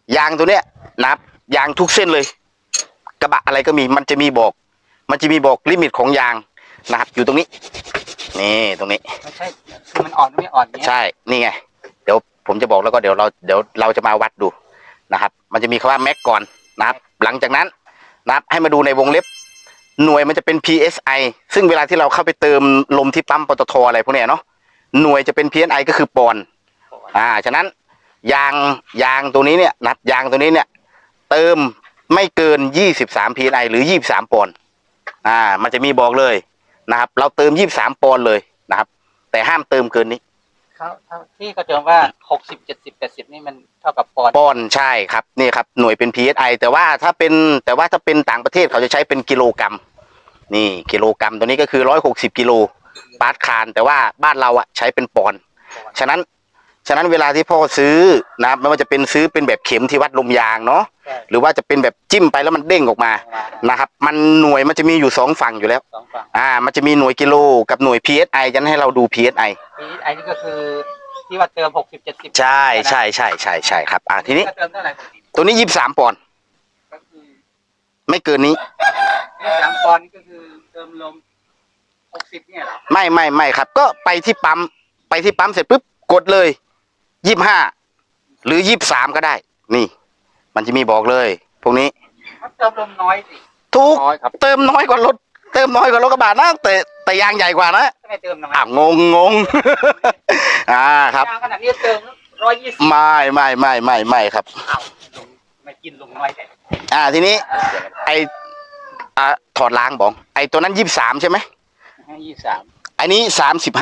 ยางตัวเนี้ยนะครับยางทุกเส้นเลยกระบะอะไรก็มีมันจะมีบอกลิมิตของยางนะครับอยู่ตรงนี้นี่ตรงนี้ไม่ใช่คือมันอ่อนไม่อ่อนเนี้ยใช่นี่ไงเดี๋ยวผมจะบอกแล้วก็เดี๋ยวเราจะมาวัดดูนะครับมันจะมีคำว่าแม็กก่อนนะครับหลังจากนั้นนะครับให้มาดูในวงเล็บหน่วยมันจะเป็น PSI ซึ่งเวลาที่เราเข้าไปเติมลมที่ปั๊มปตทอะไรพวกเนี้ยเนาะหน่วยจะเป็น PSI ก็คือปอนด์ฉะนั้นยางตัวนี้เนี่ยนะครับยางตัวนี้เนี่ยเติมไม่เกิน23 PSI หรือ23ปอนด์มันจะมีบอกเลยนะครับเราเติม23ปอนด์เลยนะครับแต่ห้ามเติมเกินนี้เขาที่เขาเติมว่า60 70 80นี่มันเท่ากับปอนด์ใช่ครับนี่ครับหน่วยเป็น PSI แต่ว่าถ้าเป็นต่างประเทศเขาจะใช้เป็นกิโลกรัมนี่กิโลกรัมตัวนี้ก็คือ160กิโลปาร์ตคานแต่ว่าบ้านเราใช้เป็นปอนด์ฉะนั้นเวลาที่พ่อซื้อนะไม่ว่าจะเป็นซื้อเป็นแบบเข็มที่วัดลมยางเนาะหรือว่าจะเป็นแบบจิ้มไปแล้วมันเด้งออกมานะครับมันหน่วยมันจะมีอยู่2ฝั่งอยู่แล้วมันจะมีหน่วยกิโลกับหน่วย PSI จะให้เราดู PSI นี่ก็คือที่ว่าเติม60 70 ใช่ครับทีนี้เติมเท่าไหร่ตัวนี้23ปอนด์ก็คือไม่เกินนี้ 23ปอนด์นี่ก็คือเติมลม60เนี่ยเหรอไม่ครับก็ไปที่ปั๊มเสร็จปุ๊บกดเลย25หรือ23ก็ได้นี่มันจะมีบอกเลยพวกนี้เติมลมน้อยสิถูกเติมน้อยกว่ารถกระบะนะแต่ยางใหญ่กว่านะไม่เติมน้อยงงครับยางขนาดนี้เติม120 ไม่ครับไม่กินลงน้อยแต่ทีนี้ไอถอดล้างบอกไอตัวนั้น23ใช่ไหม 23 อันนี้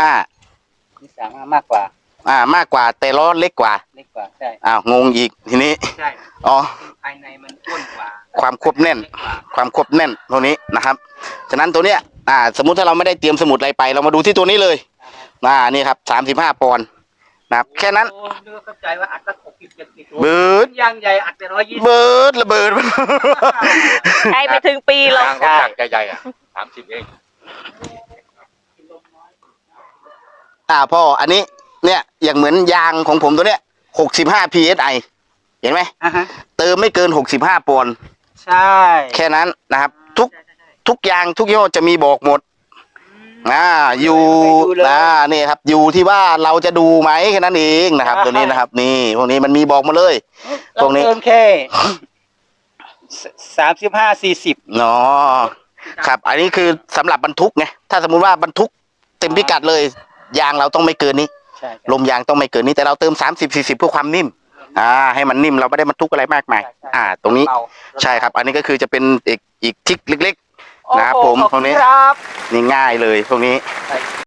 35 มากกว่ามากกว่าแต่ล้อเล็กกว่าใช่งงอีกทีนี้ใช่ภายในมันอ้วนกว่าความควบแน่นตรงนี้นะครับฉะนั้นตัวเนี้ยสมมุติถ้าเราไม่ได้เตรียมสมุดอะไรไปเรามาดูที่ตัวนี้เลยนี่ครับ35ปอนด์นะครับแค่นั้นเข้าใจว่าอัดสัก60 70 เบิร์ดยางใหญ่อัดไป120 เบิร์ดระเบิดใช่ไปถึงปีแล้วใช่ใหญ่30เองพ่ออันนี้เนี่ยอย่างเหมือนยางของผมตัวเนี้ย65 PSI เห็นไหมเติมไม่เกิน65ปอนด์ใช่แค่นั้นนะครับทุกยางทุกยี่ห้อจะมีบอกหมดอยู่นี่ครับอยู่ที่ว่าเราจะดูไหมแค่นั้นเองนะครับตัวนี้นะครับนี่พวกนี้มันมีบอกมาเลยพวกนี้เติมแค่35 40 เนาะครับอันนี้คือสำหรับบรรทุกไงถ้าสมมุติว่าบรรทุกเต็มพิกัดเลยยางเราต้องไม่เกินนี้ลมยางต้องไม่เกินนี้แต่เราเติม30-40เพื่อความนิ่มให้มันนิ่มเราไม่ได้บรรทุกอะไรมากมายตรงนี้ใช่ครับอันนี้ก็คือจะเป็นอีกทริคเล็กๆนะครับผมตรงนี้นี่ง่ายเลยตรงนี้